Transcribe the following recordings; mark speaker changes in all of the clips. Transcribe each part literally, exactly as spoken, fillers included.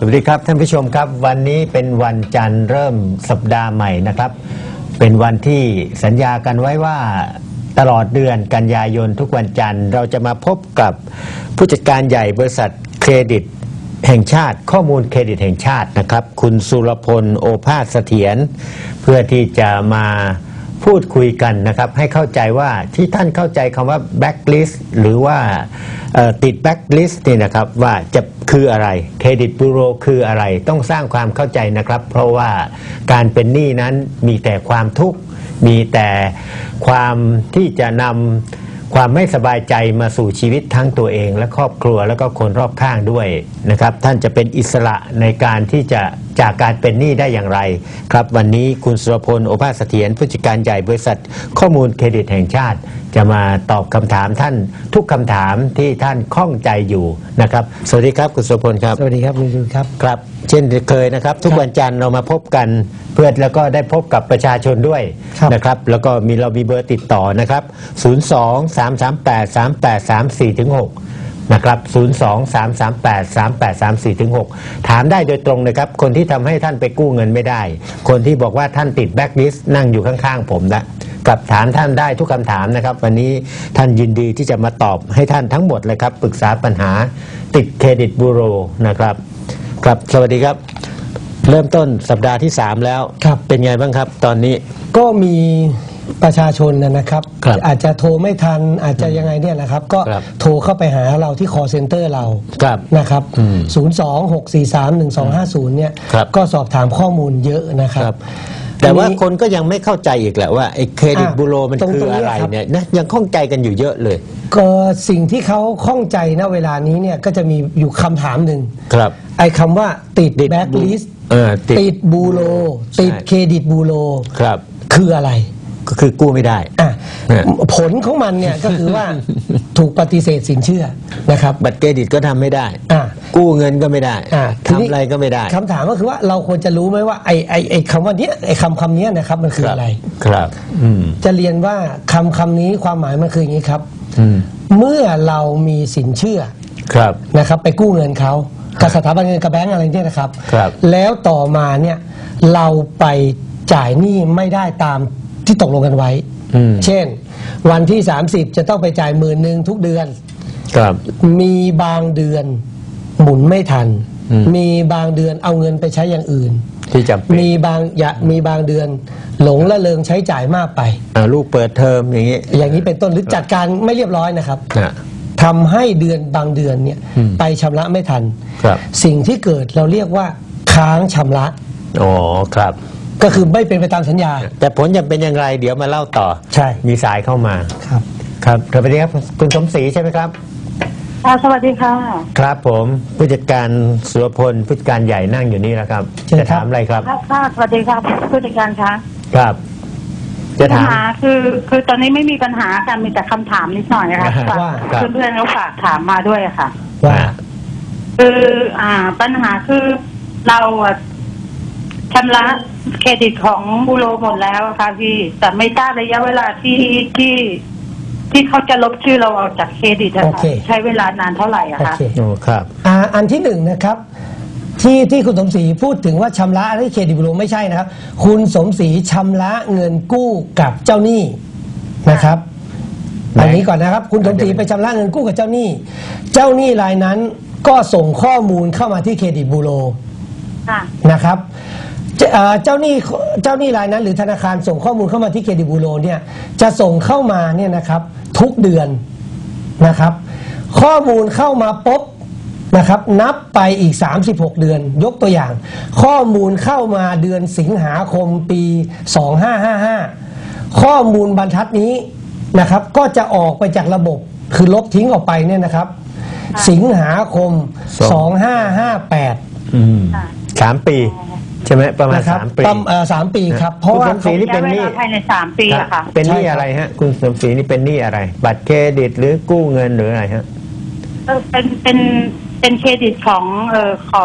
Speaker 1: วัสดีครับท่านผู้ชมครับวันนี้เป็นวันจันทร์เริ่มสัปดาห์ใหม่นะครับเป็นวันที่สัญญากันไว้ว่าตลอดเดือนกันยายนทุกวันจันทร์เราจะมาพบกับผู้จัดการใหญ่บริษัทเครดิตแห่งชาติข้อมูลเครดิตแห่งชาตินะครับคุณสุรพลโอภาสเสถียรเพื่อที่จะมาพูดคุยกันนะครับให้เข้าใจว่าที่ท่านเข้าใจคำว่า blacklist หรือว่าติด blacklist นี่นะครับว่าจะคืออะไรเครดิตบูโรคืออะไรต้องสร้างความเข้าใจนะครับเพราะว่าการเป็นหนี้นั้นมีแต่ความทุกข์มีแต่ความที่จะนำความไม่สบายใจมาสู่ชีวิตทั้งตัวเองและครอบครัวแล้วก็คนรอบข้างด้วยนะครับท่านจะเป็นอิสระในการที่จะจากการเป็นหนี้ได้อย่างไรครับวันนี้คุณสุรพลโอภาสเสถียรผู้จัดการใหญ่บริษัทข้อมูลเครดิตแห่งชาติจะมาตอบคำถามท่านทุกคำถามที่ท่านข้องใจอยู่นะครับสวัสดีครับคุณสุรพลครับ
Speaker 2: สวัสดีครับคุณจุลครับ
Speaker 1: ครับเช่นเคยนะครับทุกวันจันทร์เรามาพบกันเพื่อแล้วก็ได้พบกับประชาชนด้วยนะครับแล้วก็มีเรามีเบอร์ติดต่อนะครับศูนย์ สอง สาม สาม แปด สาม แปด สาม สี่ ถึง หกนะครับศูนย์ สอง สาม สาม แปด สาม แปด สาม สี่ ถึง หกถามได้โดยตรงนะครับคนที่ทำให้ท่านไปกู้เงินไม่ได้คนที่บอกว่าท่านติดแบล็คลิสต์นั่งอยู่ข้างๆผมนะกับถามท่านได้ทุกคำถามนะครับวันนี้ท่านยินดีที่จะมาตอบให้ท่านทั้งหมดเลยครับปรึกษาปัญหาติดเครดิตบูโรนะครับครับสวัสดีครับเริ่มต้นสัปดาห์ที่สามแล้วครับเป็นไงบ้างครับตอนนี้
Speaker 2: ก็มีประชาชนนะครับอาจจะโทรไม่ทันอาจจะยังไงเนี่ยนะครับก็โทรเข้าไปหาเราที่ call center เรานะครับศูนย์ สอง หก สี่ สาม หนึ่ง สอง ห้า ศูนย์เนี่ยก็สอบถามข้อมูลเยอะนะครับ
Speaker 1: แต่ว่าคนก็ยังไม่เข้าใจอีกแหละว่าไอ้เครดิตบูโรมันคืออะไรเนี่ยนะยังข้องใจกันอยู่เยอะเลย
Speaker 2: ก็สิ่งที่เขาข้องใจณเวลานี้เนี่ยก็จะมีอยู่คำถามหนึ่งครับไอ้คำว่าติดแบล็คลิสต์ติดบูโรติดเครดิตบูโรครับคืออะไร
Speaker 1: ก็คือกู้ไม่ได้
Speaker 2: ผลของมันเนี่ยก็คือว่าถูกปฏิเสธสินเชื่อนะครับ
Speaker 1: บัตรเครดิตก็ทำไม่ได้กู้เงินก็ไม่ได้ทำอะไรก็ไม่ได้
Speaker 2: คำถามก็คือว่าเราควรจะรู้ไหมว่าไอ้ไอ้ไอ้คำว่านี้ไอ้คำคำนี้นะครับมันคืออะไร
Speaker 1: ครับ
Speaker 2: จะเรียนว่าคำคำนี้ความหมายมันคืออย่างนี้ครับเมื่อเรามีสินเชื่อ
Speaker 1: ครับ
Speaker 2: นะครับไปกู้เงินเขากับสถาบันเงินกับแบงก์อะไรเนี่ยนะครับแล้วต่อมาเนี่ยเราไปจ่ายหนี้ไม่ได้ตามที่ตกลงกันไว้เช่นวันที่สามสิบจะต้องไปจ่ายหมื่นหนึ่งทุกเดือน
Speaker 1: ครับ
Speaker 2: มีบางเดือนหมุนไม่ทันมีบางเดือนเอาเงินไปใช้อย่างอื่น
Speaker 1: ที่จำเป็น
Speaker 2: มีบางอย่ามีบางเดือนหลงละเลงใช้จ่ายมากไป
Speaker 1: ลูกเปิดเทอมอย่างนี้
Speaker 2: อย่างนี้เป็นต้นหรือจัดการไม่เรียบร้อยนะครับทำให้เดือนบางเดือนเนี่ยไปชำระไม่ทันสิ่งที่เกิดเราเรียกว่าค้างชำระ
Speaker 1: อ๋อครับ
Speaker 2: ก็คือไม่เป็นไปตามสัญญา
Speaker 1: แต่ผลจะเป็นอย่างไรเดี๋ยวมาเล่าต่อ
Speaker 2: ใช่
Speaker 1: มีสายเข้ามา
Speaker 2: ครับ
Speaker 1: ครับสวัสดีครับคุณสมศรีใช่ไหมครับ
Speaker 3: สวัสดีค่ะ
Speaker 1: ครับผมผู้จัดการสุรพลผู้จัดการใหญ่นั่งอยู่นี่แล้วครับจะถามอะไรครับ
Speaker 3: ค่ะสวัสดีครับผู้จัดการคะ
Speaker 1: ครับจะถาม
Speaker 3: คือคือตอนนี้ไม่มีปัญหากันมีแต่คำถามนิดหน่อยนะคะว่าเพื่อนๆเขาฝากถามมาด้วยค่ะ
Speaker 2: ว่า
Speaker 3: คืออ่าปัญหาคือเราชำระเครดิตของบูโรหมดแล้วค่ะพี่แต่ไม่ทราบระยะเวลาที่ที่ที่เขาจะลบชื่อเราออกจากเครดิตนะคะใช้เวลานานเท่าไหร่อะคะ
Speaker 1: โอ้ครับ
Speaker 2: อ่าอันที่หนึ่งนะครับที่ที่คุณสมศรีพูดถึงว่าชำระที่เครดิตบูโรไม่ใช่นะครับคุณสมศรีชำระเงินกู้กับเจ้าหนี้นะครับอันนี้ก่อนนะครับคุณสมศรีไปชำระเงินกู้กับเจ้าหนี้เจ้าหนี้รายนั้นก็ส่งข้อมูลเข้ามาที่เครดิตบูโรนะครับเจ้าหนี้เจ้าหนี้รายนั้นหรือธนาคารส่งข้อมูลเข้ามาที่เครดิตบูโรเนี่ยจะส่งเข้ามาเนี่ยนะครับทุกเดือนนะครับข้อมูลเข้ามาปุ๊บนะครับนับไปอีกสามสิบหกเดือนยกตัวอย่างข้อมูลเข้ามาเดือนสิงหาคมปีสองพันห้าร้อยห้าสิบห้าข้อมูลบรรทัดนี้นะครับก็จะออกไปจากระบบคือลบทิ้งออกไปเนี่ยนะครับสิงหาคมสองพันห้าร้อยห้าสิบแปด
Speaker 1: สามปีใช่ไหมประมาณสามปี
Speaker 2: สามปีครับเพราะว่า
Speaker 1: คุณสมศรีนี่เป็นหนี้
Speaker 3: ภายในสามปีอะค่ะ
Speaker 1: เป็นหนี้อะไรฮะคุณสมศรีนี่เป็นหนี้อะไรบัตรเครดิตหรือกู้เงินหรืออะไรฮะ
Speaker 3: เป็นเป็นเป็นเครดิตของเอ่อขอข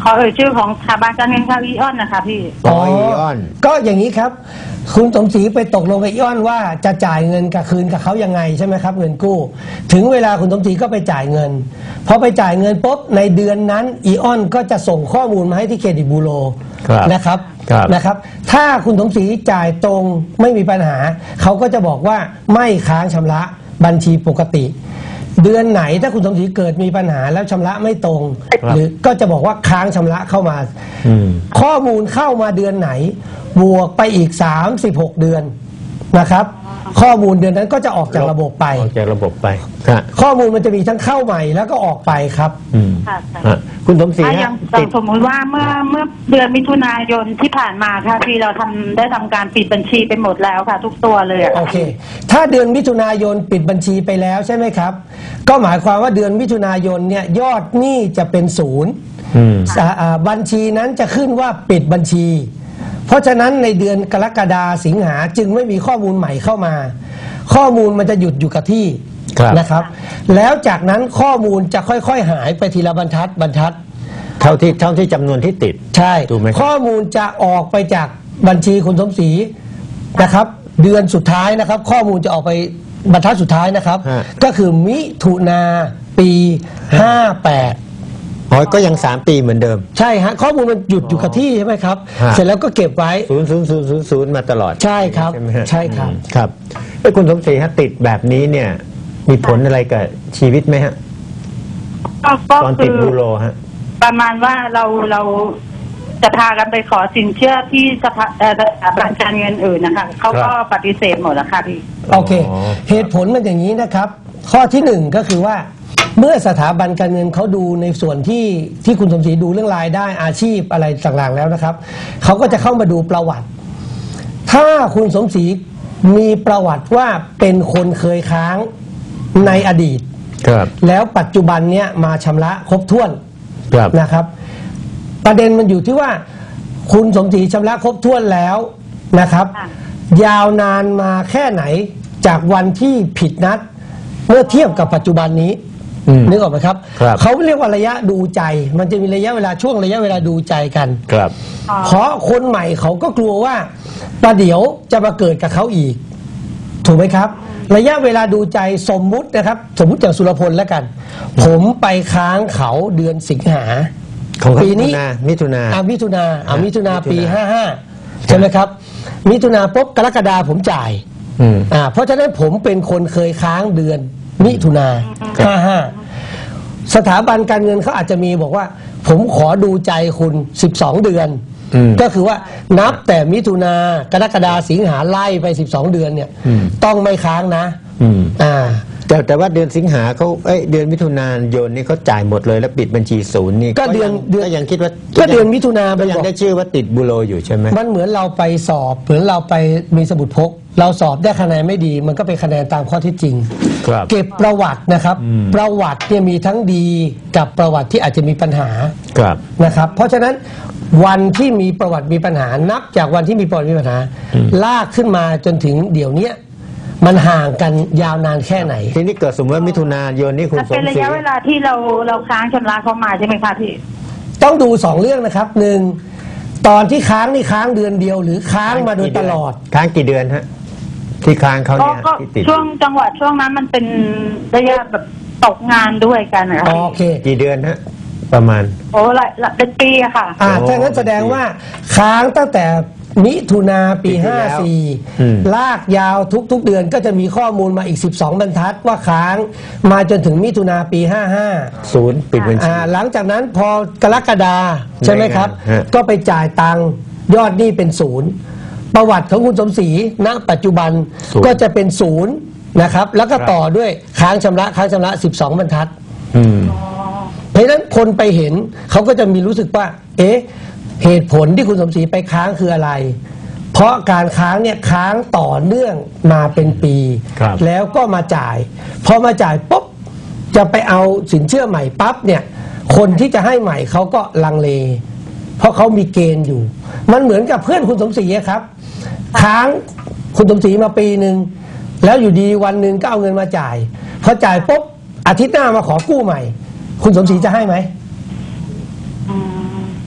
Speaker 3: ขอเอ่ยชื่อของสถาบันการเงินค่ะอีออนนะคะพี่
Speaker 1: อ๋ออีออน
Speaker 2: ก็อย่างนี้ครับ คุณสมศรีไปตกลงกับอีออนว่าจะจ่ายเงินกับคืนกับเขายังไงใช่ไหมครับเงินกู้ ถึงเวลาคุณสมศรีก็ไปจ่ายเงินพอไปจ่ายเงินปุ๊บในเดือนนั้นอีออนก็จะส่งข้อมูลมาให้ที่เครดิตบูโร
Speaker 1: ครับ
Speaker 2: นะครับ
Speaker 1: ครับ
Speaker 2: นะครับ ถ้าคุณสมศรีจ่ายตรงไม่มีปัญหา เขาก็จะบอกว่าไม่ค้างชำระบัญชีปกติ เดือนไหนถ้าคุณสมศรีเกิดมีปัญหาแล้วชำระไม่ตรง หรือก็จะบอกว่าค้างชำระเข้ามา
Speaker 1: อืม
Speaker 2: ข้อมูลเข้ามาเดือนไหน บวกไปอีกสามสิบหกเดือนนะครับ ข้อมูลเดือนนั้นก็จะออกจากระบบไป
Speaker 1: ออกจากระบบไปครับ
Speaker 2: ข้อมูลมันจะมีทั้งเข้าใหม่แล้วก็ออกไปครับ
Speaker 1: อืม
Speaker 3: ค่ะค่ะ
Speaker 1: ฮะคุณสมศรี
Speaker 3: ถ้าอ
Speaker 1: ฮะ
Speaker 3: ย่าง
Speaker 1: ติด
Speaker 3: สมมุติว่าเมื่อเมื่อเดือนมิถุนายนที่ผ่านมาค่ะพี่เราทำได้ทำการปิดบัญชีไปหมดแล้วค่ะ ทุกตัวเลยอะ
Speaker 2: โอเค ถ้าเดือนมิถุนายนปิดบัญชีไปแล้วใช่ไหมครับ ก็หมายความว่าเดือนมิถุนายนเนี่ยยอดหนี้จะเป็นศูนย์
Speaker 1: อืม
Speaker 2: อ่าอ่าบัญชีนั้นจะขึ้นว่าปิดบัญชี เพราะฉะนั้นในเดือนกรกฎาสิงหาจึงไม่มีข้อมูลใหม่เข้ามา ข้อมูลมันจะหยุดอยู่กับที่
Speaker 1: ครับ
Speaker 2: นะครับ แล้วจากนั้นข้อมูลจะค่อยๆหายไปทีละบรรทัดบรรทัด
Speaker 1: เท่าที่เท่าที่จำนวนที่ติด
Speaker 2: ใช่
Speaker 1: ถูกไหมครับ
Speaker 2: ข้อมูลจะออกไปจากบัญชีคุณสมศรีนะครับ เดือนสุดท้ายนะครับ ข้อมูลจะออกไปบรรทัดสุดท้ายนะครับ
Speaker 1: ฮะ
Speaker 2: ก็คือมิถุนาปีห้าแปด
Speaker 1: อ๋อก็ยังสามปีเหมือนเดิม
Speaker 2: ใช่ฮะข้อมูลมันหยุดอยู่กับที่ใช่ไหมครับ
Speaker 1: ฮะ
Speaker 2: เสร็จแล้วก็เก็บไว้
Speaker 1: ศูนย์ศูนย์ศูนย์ศูนย์ศูนย์มาตลอด
Speaker 2: ใช่ครับ
Speaker 1: ไหมฮะ
Speaker 2: ใช่ครับ
Speaker 1: อืมครับไอ้ยคุณสมศรีฮะติดแบบนี้เนี่ย มีผลอะไรกับชีวิตไหมฮะ
Speaker 3: ก็ก็
Speaker 1: ตอน
Speaker 3: คื
Speaker 1: ติด
Speaker 3: อ
Speaker 1: บูโรฮะ
Speaker 3: ประมาณว่าเราเราจะพากันไปขอสินเชื่อที่สภาเอ่อสถาบันการเงินอื่นนะคะเขาก็
Speaker 1: ครับ
Speaker 3: ปฏิเสธหมดแล้วค่ะพี่
Speaker 2: โอเค
Speaker 1: อ๋อ
Speaker 2: เหตุผลมันอย่างนี้นะครับ ข้อที่หนึ่งก็คือว่า เมื่อสถาบันการเงินเขาดูในส่วนที่ที่คุณสมศรีดูเรื่องรายได้อาชีพอะไรต่างๆแล้วนะครับเขาก็จะเข้ามาดูประวัติ ถ้าคุณสมศรีมีประวัติว่าเป็นคนเคยค้างในอดีต
Speaker 1: ครับ
Speaker 2: แล้วปัจจุบันเนี้ยมาชำระครบถ้วน
Speaker 1: ครับ
Speaker 2: นะครับ ประเด็นมันอยู่ที่ว่า คุณสมศรีชำระครบถ้วนแล้วนะครับ
Speaker 3: ค่ะ
Speaker 2: ยาวนานมาแค่ไหนจากวันที่ผิดนัด เมื่อเทียบกับปัจจุบันนี้
Speaker 1: อืม
Speaker 2: นึกออกไหมครับ
Speaker 1: ครับ
Speaker 2: เขาเรียกว่าระยะดูใจ มันจะมีระยะเวลาช่วงระยะเวลาดูใจกัน
Speaker 1: ครับ
Speaker 3: อ๋อ
Speaker 2: เพราะคนใหม่เขาก็กลัวว่าประเดี๋ยวจะมาเกิดกับเขาอีก ถูกไหมครับ ระยะเวลาดูใจสมมุตินะครับ สมมุติอย่างสุรพลแล้วกัน ผมไปค้างเขาเดือนสิงหา
Speaker 1: ของ
Speaker 2: ปีนี้
Speaker 1: มิถุนา
Speaker 2: อ่ามิถุนาอ่ามิถุนา
Speaker 1: มิถุนา
Speaker 2: ปีห้าห้าใช่ไหมครับ มิถุนาปุ๊บกรกฎาผมจ่าย
Speaker 1: อืม
Speaker 2: อ่าเพราะฉะนั้นผมเป็นคนเคยค้างเดือนมิถุนา
Speaker 1: ครับ
Speaker 2: ห้าห้าสถาบันการเงินเขาอาจจะมีบอกว่า ผมขอดูใจคุณสิบสองเดือน
Speaker 1: อืม
Speaker 2: ก็คือว่านับแต่มิถุนากรกฎาสิงหาไล่ไปสิบสองเดือนเนี่ย
Speaker 1: อืม
Speaker 2: ต้องไม่ค้างนะ
Speaker 1: อืม
Speaker 2: อ่า
Speaker 1: แต่แต่ว่าเดือนสิงหาเขาเอ้ยเดือนมิถุนายนนี่เขาจ่ายหมดเลยแล้วปิดบัญชีศูนย์นี่
Speaker 2: ก็เดือน
Speaker 1: ยัง
Speaker 2: เดือน
Speaker 1: ก็ยังคิดว่า
Speaker 2: ก็เดือนมิถุนา
Speaker 1: ก็
Speaker 2: มัน
Speaker 1: ยัง
Speaker 2: บอก
Speaker 1: ได้ชื่อว่าติดบูโรอยู่ใช่ไหม
Speaker 2: มันเหมือนเราไปสอบเหมือนเราไปมีสมุดพก เราสอบได้คะแนนไม่ดี มันก็เป็นคะแนนตามข้อเที่จริง
Speaker 1: ครับ
Speaker 2: เก็บประวัตินะครับ
Speaker 1: อืม
Speaker 2: ประวัติเนี่ยมีทั้งดีกับประวัติที่อาจจะมีปัญหา
Speaker 1: ครับ
Speaker 2: นะครับ เพราะฉะนั้นวันที่มีประวัติมีปัญหานับจากวันที่มีประวัติมีปัญหา
Speaker 1: อืม
Speaker 2: ลากขึ้นมาจนถึงเดี๋ยวเนี้ยมันห่างกันยาวนานแค่ไหน
Speaker 1: ทีนี้เกิดสมมติว่ามิถุนายนนี่คุณ
Speaker 3: มัน
Speaker 1: ส
Speaker 3: เป็น
Speaker 1: ม
Speaker 3: ระ
Speaker 1: ศรี
Speaker 3: ยะเวลาที่เราเราค้างชำระเขามาใช่ไหมคะพี่
Speaker 2: ต้องดูสองเรื่องนะครับหนึ่งตอนที่ค้างนี่ค้างเดือนเดียว หรือค้างมาโดยตลอด
Speaker 1: ค้างกี่เดือนฮะที่ค้างเขา
Speaker 3: ก็
Speaker 1: เนี่ย
Speaker 3: ก็
Speaker 1: ที่ติด
Speaker 3: ช่วงจังหวะช่วงนั้นมันเป็นระยะแบบตกงานด้วยกันนะคะ
Speaker 2: โอเค
Speaker 1: กี่เดือนฮะประมาณ
Speaker 3: โอ้หลายหลายเป็นปีอะค่ะ
Speaker 2: อ่า
Speaker 1: โอ้
Speaker 2: ถ้างั้นแสดงว่าค้างตั้งแต่มิถุนาปี
Speaker 1: ปีที่แล้ว
Speaker 2: ห้าสี่
Speaker 1: อืม
Speaker 2: ลากยาวทุกๆเดือนก็จะมีข้อมูลมาอีกสิบสองบรรทัดว่าค้างมาจนถึงมิถุนาปีห้าห้า
Speaker 1: ศูนย์ปิดบัญชี
Speaker 2: อ่าหลังจากนั้นพอกรกฎาใช่ไหมครับ
Speaker 1: ฮะ
Speaker 2: ก็ไปจ่ายตังค์ยอดหนี้เป็นศูนย์ประวัติของคุณสมศรีณปัจจุบัน
Speaker 1: ศูนย์
Speaker 2: ก็จะเป็นศูนย์นะครับ แล้วก็ต่อด้วยค้างชำระค้างชำระสิบสองบรรทัด
Speaker 1: อืม
Speaker 2: เพราะฉะนั้นคนไปเห็นเขาก็จะมีรู้สึกว่า เอ๊ะ เหตุผลที่คุณสมศรีไปค้างคืออะไร เพราะการค้างเนี่ยค้างต่อเนื่องมาเป็นปี
Speaker 1: ครับ
Speaker 2: แล้วก็มาจ่าย พอมาจ่ายปุ๊บจะไปเอาสินเชื่อใหม่ปั๊บเนี่ย คนที่จะให้ใหม่เขาก็ลังเล เพราะเขามีเกณฑ์อยู่ มันเหมือนกับเพื่อนคุณสมศรีอะครับ ค้างคุณสมศรีมาปีหนึ่งแล้วอยู่ดีวันหนึ่งก็เอาเงินมาจ่ายพอจ่ายปุ๊บอาทิตย์หน้ามาขอกู้ใหม่ คุณสมศรีจะให้ไหม
Speaker 3: อืม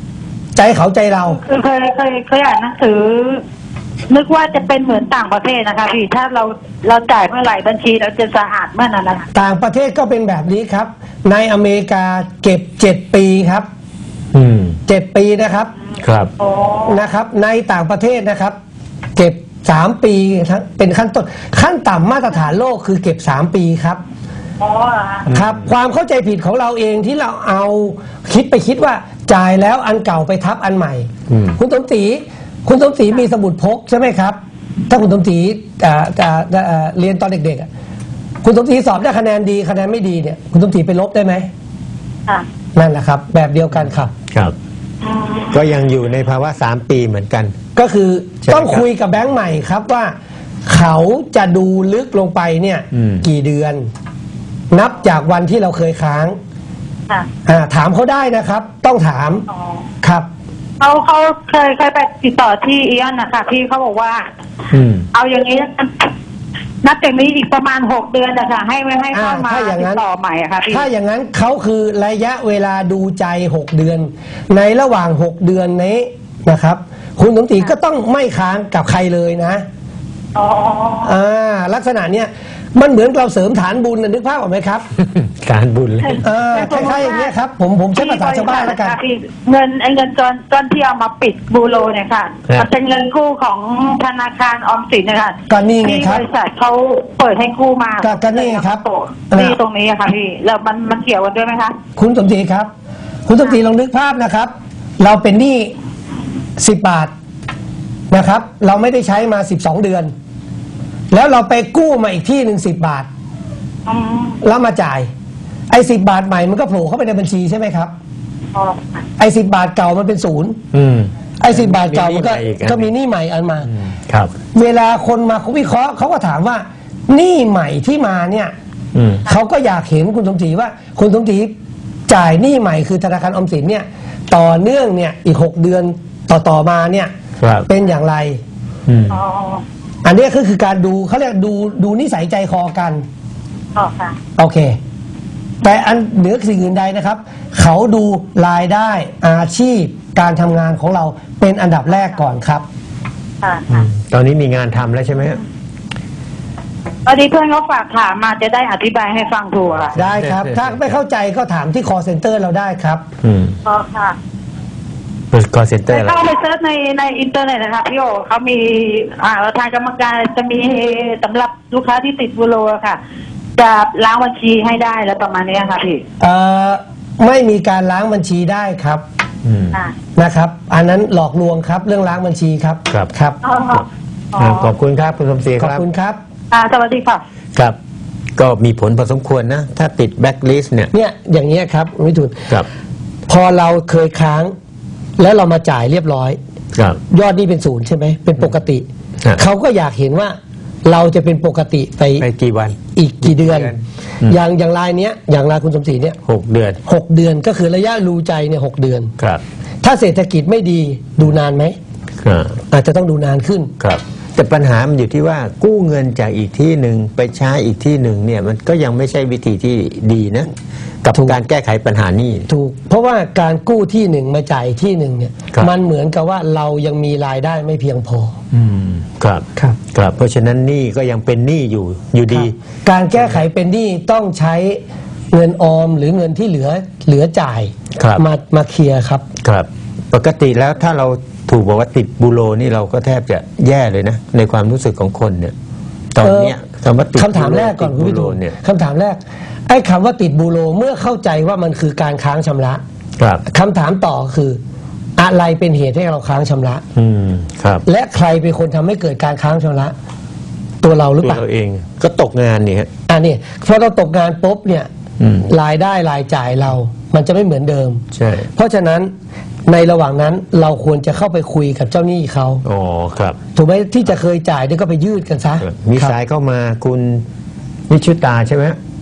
Speaker 2: ใจเขาใจเรา
Speaker 3: คือเคยเคยเคยอ่านหนังสือ นึกว่าจะเป็นเหมือนต่างประเทศนะคะพี่ถ้าเราเราจ่ายเมื่อไหร่บัญชีเราจะสะอาดเมื่อนั้นนะคะ
Speaker 2: ต่างประเทศก็เป็นแบบนี้ครับ ในอเมริกาเก็บเจ็ดปีครับ
Speaker 1: อืม
Speaker 2: เจ็ดปีนะครับ
Speaker 1: ครับ
Speaker 3: โอ้
Speaker 2: นะครับ ในต่างประเทศนะครับ เก็บสามปีทั้งเป็นขั้นต้นขั้นต่ำมาตรฐานโลกคือเก็บสามปีครับ
Speaker 3: อ๋อเหรอคะ
Speaker 2: ครับ ความเข้าใจผิดของเราเองที่เราเอาคิดไปคิดว่าจ่ายแล้วอันเก่าไปทับอันใหม่
Speaker 1: อืม
Speaker 2: คุณสมศรีคุณสมศรีมีสมุดพกใช่ไหมครับ ถ้าคุณสมศรีอ่าอ่าอ่าเรียนตอนเด็กๆอ่ะคุณสมศรีสอบได้คะแนนดีคะแนนไม่ดีเนี่ยคุณสมศรีไปลบได้ไหม
Speaker 3: ค่ะ
Speaker 2: นั่นแหละครับ แบบเดียวกันครับ
Speaker 1: ครับ
Speaker 3: อืม
Speaker 1: ก็ยังอยู่ในภาวะสามปีเหมือนกัน
Speaker 2: ก็คือ
Speaker 1: ใช่ไหม
Speaker 2: ต้องคุยกับแบงก์ใหม่ครับว่า เขาจะดูลึกลงไปเนี่ย
Speaker 1: อืม
Speaker 2: กี่เดือน นับจากวันที่เราเคยค้าง
Speaker 3: ค่ะ
Speaker 2: อ่าถามเขาได้นะครับ ต้องถาม
Speaker 3: อ๋อ
Speaker 2: ครับ
Speaker 3: เขาเขาเคยเคยไปติดต่อที่อีออนนะคะพี่เขาบอกว่า
Speaker 1: อืม
Speaker 3: เอาอย่างนี้นะนับจากนี้อีกประมาณหกเดือนนะคะให้ไม่ให้เข้ามา
Speaker 2: อ่าถ้าอย่างนั้
Speaker 3: ติ
Speaker 2: น
Speaker 3: ดต่อใหม่อะค่ะพี่
Speaker 2: ถ้าอย่างนั้นเขาคือระยะเวลาดูใจหกเดือน ในระหว่างหกเดือนนี้นะครับ คุณสมศรีก็ต้องไม่ค้างกับใครเลยนะ
Speaker 3: อ๋อ
Speaker 2: อ่าลักษณะเนี้ยมันเหมือนเราเสริมฐานบุญนะนึกภาพออกไหมครับ
Speaker 1: การบุญเลย
Speaker 2: เออคล้ายๆอย่างเงี้ยครับผมผมใช้ภาษาชาวบ้านแล้วกัน
Speaker 3: พี่เงินไอ้เงินก้อนก้อนที่เอามาปิดบูโรเนี่ยค่ะ
Speaker 1: ครับ
Speaker 3: มันเป็นเงินกู้ของธนาคารออมสินนะคะ
Speaker 2: ก็นี่ไง
Speaker 3: ที่
Speaker 2: ครับ
Speaker 3: บริษัทเขาเปิดให้กู้มา
Speaker 2: ก็ก็นี่ไงครับ
Speaker 3: นี่ตรงนี้อะค่ะพี่แล้วมันมันเกี่ยวกันด้วยไหมคะ
Speaker 2: คุณสมศรีครับ คุณสมศรีลองนึกภาพนะครับ เราเป็นหนี้สิบบาทนะครับ เราไม่ได้ใช้มาสิบสองเดือน แล้วเราไปกู้มาอีกที่หนึ่งสิบบาท
Speaker 3: อืม
Speaker 2: แล้วมาจ่าย ไอ้สิบบาทใหม่มันก็โผล่เข้าไปในบัญชีใช่ไหมครับ
Speaker 3: อ๋อ
Speaker 2: ไอ้สิบบาทเก่ามันเป็นศูนย์
Speaker 1: อืม
Speaker 2: ไอ้สิบบาทเก่ามันก็
Speaker 1: มีหนี้ใหม่อีกอัน
Speaker 2: ก็มีหนี้ใหม่อันมา
Speaker 1: อืมครับ
Speaker 2: เวลาคนมาเขาวิเคราะห์เขาก็ถามว่าหนี้ใหม่ที่มาเนี่ย
Speaker 1: อืม
Speaker 2: เขาก็อยากเห็นคุณสมศรีว่า คุณสมศรีจ่ายหนี้ใหม่คือธนาคารออมสินเนี่ย ต่อเนื่องเนี่ยอีกหกเดือนต่อต่อมาเนี่ย
Speaker 1: ครับ
Speaker 2: เป็นอย่างไร
Speaker 1: อืม
Speaker 3: อ๋อ
Speaker 2: อันเนี้ยก็คือการดูเขาเรียกดูดูนิสัยใจคอกัน
Speaker 3: อ๋อค่ะ
Speaker 2: โอเค แต่อันเหนือสิ่งอื่นใดนะครับ เขาดูรายได้อาชีพการทำงานของเราเป็นอันดับแรกก่อนครับ
Speaker 3: ค่ะ
Speaker 1: อื
Speaker 3: ค่ะ
Speaker 1: มตอนนี้มีงานทำแล้วใช่ไหมฮะ
Speaker 3: ตอนนี้เพื่อนเขาฝากถามมาจะได้อธิบายให้ฟังถูกอะค่ะ
Speaker 2: ได้ครับ ถ้าไม่เข้าใจก็ถามที่ call center เราได้ครับ
Speaker 1: อืม
Speaker 3: อ๋อค่ะ
Speaker 1: เปิดคอเซ็นเตอ
Speaker 3: ไป
Speaker 1: ร์แล้ว
Speaker 3: เข้าไปเซิร์ชในในอินเทอร์เน็ตนะคะพี่โอเขามีอ่าทางกรรมการจะมีสำหรับลูกค้าที่ติดบูโรอะค่ะ จะล้างบัญชีให้ได้แล้วประมาณนี้ค่ะพี่
Speaker 2: เอ่อไม่มีการล้างบัญชีได้ครับ
Speaker 1: อืม
Speaker 3: อ่า
Speaker 2: นะครับ อันนั้นหลอกลวงครับเรื่องล้างบัญชีครับ
Speaker 1: ครับ
Speaker 2: ครับ
Speaker 3: อ๋ออ๋อ
Speaker 1: อ่าขอบคุณครับคุณสมศรี
Speaker 2: ข
Speaker 1: ค
Speaker 2: อบ
Speaker 1: รับ
Speaker 2: คุณครับ
Speaker 3: อ่าสวัสดีค่ะ
Speaker 1: ครับ ก็มีผลพอสมควรนะ ถ้าติดแบ็คลิสต์เนี่ย
Speaker 2: เนี่ยอย่างเงี้ยครับวิทูล
Speaker 1: ครับ
Speaker 2: พอเราเคยค้าง แล้วเรามาจ่ายเรียบร้อย
Speaker 1: ครับ
Speaker 2: ยอดนี่เป็นศูนย์ใช่ไหมเป็นปกติ
Speaker 1: ครับ
Speaker 2: เขาก็อยากเห็นว่าเราจะเป็นปกติไป
Speaker 1: ไปกี่วัน
Speaker 2: อีกกี่เดือน
Speaker 1: กี่เดือนอืม
Speaker 2: อย่างอย่างรายเนี้ยอย่างรายคุณสมศรีเนี่ย
Speaker 1: หกเดือน
Speaker 2: หกเดือนก็คือระยะรูใจเนี่ยหกเดือน
Speaker 1: ครับ
Speaker 2: ถ้าเศรษฐกิจไม่ดีดูนานไหม
Speaker 1: ครับ
Speaker 2: อาจจะต้องดูนานขึ้น
Speaker 1: ครับ แต่ปัญหามันอยู่ที่ว่ากู้เงินจากอีกที่หนึ่งไปใช้อีกที่หนึ่งเนี่ย มันก็ยังไม่ใช่วิธีที่ดีนะ กับ
Speaker 2: ถูก
Speaker 1: การแก้ไขปัญหานี้
Speaker 2: ถูก เพราะว่าการกู้ที่หนึ่งมาจ่ายอีกที่หนึ่งเนี่ย
Speaker 1: ครับ
Speaker 2: มันเหมือนกับว่าเรายังมีรายได้ไม่เพียงพอ
Speaker 1: อืมครับ
Speaker 2: ครับ
Speaker 1: ครับ เพราะฉะนั้นหนี้ก็ยังเป็นหนี้อยู่อยู่ดี
Speaker 2: ครับการแก้ไขเป็นหนี้ต้องใช้เงินออมหรือเงินที่เหลือเหลือจ่าย
Speaker 1: ครับ
Speaker 2: มามาเคลียร์ครับ
Speaker 1: ครับ ปกติแล้วถ้าเราถูกบอกว่าติดบูโรนี่เราก็แทบจะแย่เลยนะ ในความรู้สึกของคนเนี่ย ตอนเนี้ยคำว่าติด
Speaker 2: คำถามแรกก่อน
Speaker 1: ติด
Speaker 2: คุณ
Speaker 1: บู
Speaker 2: วิ
Speaker 1: โร
Speaker 2: ทูล
Speaker 1: เนี่ย
Speaker 2: คำถามแรกไอ้คำว่าติดบูโรเมื่อเข้าใจว่ามันคือการค้างชำระ
Speaker 1: ครับ
Speaker 2: คำถามต่อคือ อะไรเป็นเหตุให้เราค้างชำระ
Speaker 1: อืมครับ
Speaker 2: และใครเป็นคนทำให้เกิดการค้างชำระ ตัวเราหรือ
Speaker 1: ตัว
Speaker 2: เปล่า
Speaker 1: เราเองก็ตกงานนี่ฮะ
Speaker 2: อ่านี่พอเราตกงานปุ๊บเนี่ย
Speaker 1: อืม
Speaker 2: รายได้รายจ่ายเรา มันจะไม่เหมือนเดิม
Speaker 1: ใช่
Speaker 2: เพราะฉะนั้นในระหว่างนั้นเราควรจะเข้าไปคุยกับเจ้าหนี้เขา
Speaker 1: อ๋อครับ
Speaker 2: ถูกไหมที่จะเคยจ่ายเนี่ยก็ไปยืดกันซะ
Speaker 1: มี
Speaker 2: ครับ
Speaker 1: สายเข้ามาคุณวิชุตาใช่ไหม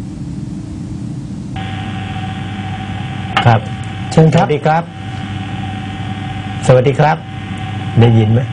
Speaker 1: ครับ
Speaker 2: เชิญ
Speaker 1: ส
Speaker 2: ครั
Speaker 1: วั
Speaker 2: บ
Speaker 1: สดีครับ สวัสดีครับ ได้ยินไหม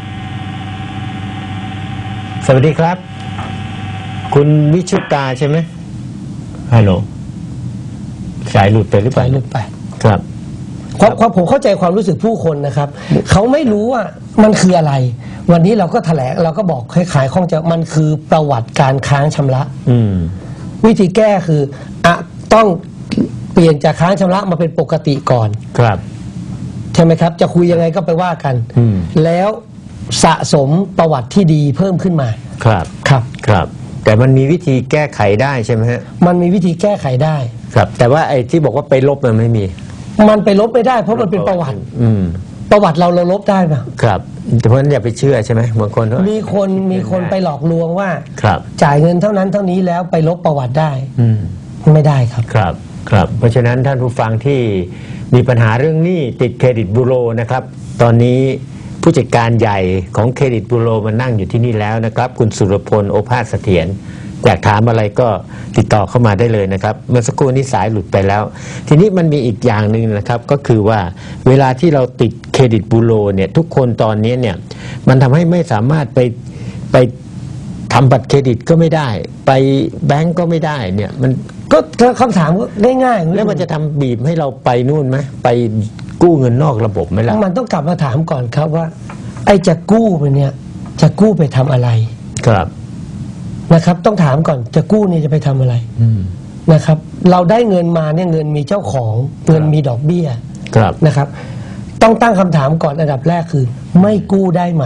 Speaker 1: สวัสดีครับ คุณวิชุตาใช่ไหมฮัลโหลสายหลุดไปหรือเป
Speaker 2: สา
Speaker 1: ล่าย
Speaker 2: หลุดไป
Speaker 1: ครับ
Speaker 2: ความความผมเข้าใจความรู้สึกผู้คนนะครับเขาไม่รู้ว่ามันคืออะไร วันนี้เราก็แถลงเราก็บอกให้ขายข้องใจมันคือประวัติการค้างชำระ
Speaker 1: อืม
Speaker 2: วิธีแก้คืออะต้องเปลี่ยนจากค้างชำระมาเป็นปกติก่อน
Speaker 1: ครับ
Speaker 2: ใช่ไหมครับ จะคุยยังไงก็ไปว่ากัน
Speaker 1: อืม
Speaker 2: แล้วสะสมประวัติที่ดีเพิ่มขึ้นมา
Speaker 1: ครับ
Speaker 2: ครับ
Speaker 1: ครับ แต่มันมีวิธีแก้ไขได้ใช่ไหมฮะ
Speaker 2: มันมีวิธีแก้ไขได้
Speaker 1: ครับ แต่ว่าไอ้ที่บอกว่าไปลบมันไม่มี
Speaker 2: มันไปลบไม่ได้เพราะมันเป็นประวัติ
Speaker 1: อืม
Speaker 2: ประวัติเราเราลบได้ปะ
Speaker 1: ครับแต่เพราะฉะนั้นอย่าไปเชื่อใช่ไหมบางคนเขา
Speaker 2: มีคนมีคนไปหลอกลวงว่า
Speaker 1: ครับ
Speaker 2: จ่ายเงินเท่านั้นเท่านี้แล้วไปลบประวัติได้
Speaker 1: อืม
Speaker 2: ไม่ได้ครับ
Speaker 1: ครับ ครับ เพราะฉะนั้นท่านผู้ฟังที่มีปัญหาเรื่องหนี้ติดเครดิตบูโรนะครับ ตอนนี้ผู้จัดการใหญ่ของเครดิตบูโรมานั่งอยู่ที่นี่แล้วนะครับ คุณสุรพลโอภาสเสถียรอยากถามอะไรก็ติดต่อเข้ามาได้เลยนะครับ เมื่อสักครู่นี้สายหลุดไปแล้ว ทีนี้มันมีอีกอย่างหนึ่งนะครับ ก็คือว่าเวลาที่เราติดเครดิตบูโรเนี่ยทุกคนตอนนี้เนี่ยมันทำให้ไม่สามารถไปไปทำบัตรเครดิตก็ไม่ได้ ไปแบงก์ก็ไม่ได้เนี่ยมัน
Speaker 2: ก็คำถามก็ง่ายๆ
Speaker 1: แล้วมันจะทำบีบให้เราไปนู่นไหมไปกู้เงินนอกระบบไหมล่ะ
Speaker 2: มันต้องกลับมาถามก่อนครับว่า ไอ้จะกู้ไปเนี่ยจะกู้ไปทำอะไร
Speaker 1: ครับ
Speaker 2: นะครับ ต้องถามก่อนจะกู้เนี่ยจะไปทำอะไร
Speaker 1: อืม
Speaker 2: นะครับ เราได้เงินมาเนี่ยเงินมีเจ้าของเงินมีดอกเบี้ย
Speaker 1: ครับ
Speaker 2: นะครับ ต้องตั้งคำถามก่อนอันดับแรกคือ ไม่กู้ได้ไหม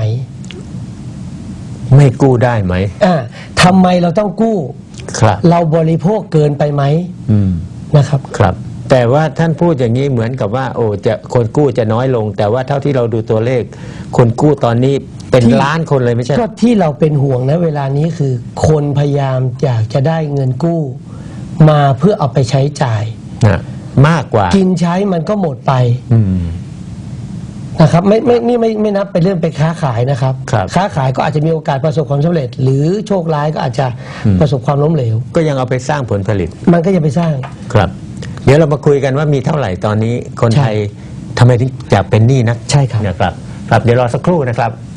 Speaker 1: ไม่กู้ได้ไหม
Speaker 2: อ่าทำไมเราต้องกู้
Speaker 1: ครับ
Speaker 2: เราบริโภคเกินไปไหม
Speaker 1: อืม
Speaker 2: นะครับ
Speaker 1: ครับ แต่ว่าท่านพูดอย่างนี้เหมือนกับว่า โอ้จะคนกู้จะน้อยลง แต่ว่าเท่าที่เราดูตัวเลข คนกู้ตอนนี้เป็น
Speaker 2: ที่
Speaker 1: ล้านคนเลยไม่ใช่
Speaker 2: ก็ที่เราเป็นห่วงนะเวลานี้คือ คนพยายามอยากจะได้เงินกู้ มาเพื่อเอาไปใช้จ่าย
Speaker 1: นะมากกว่า
Speaker 2: กินใช้มันก็หมดไป
Speaker 1: อืม
Speaker 2: นะครับไม่ไม่นี่ไม่ไม่นับเป็นเรื่องไปค้าขายนะครับ
Speaker 1: ครับ
Speaker 2: ค้าขายก็อาจจะมีโอกาสประสบความสำเร็จ หรือโชคร้ายก็อาจจะ
Speaker 1: อืม
Speaker 2: ประสบความล้มเหลว
Speaker 1: ก็ยังเอาไปสร้างผลผลิต
Speaker 2: มันก็จะไปสร้าง
Speaker 1: ครับ เดี๋ยวเรามาคุยกันว่ามีเท่าไหร่ตอนนี้คน
Speaker 2: ใช่
Speaker 1: ไทยทำไมถึงอยากเป็นหนี้นัก
Speaker 2: ใช่ครับ
Speaker 1: นะครับ ครับ เดี๋ยวรอสักครู่นะครับ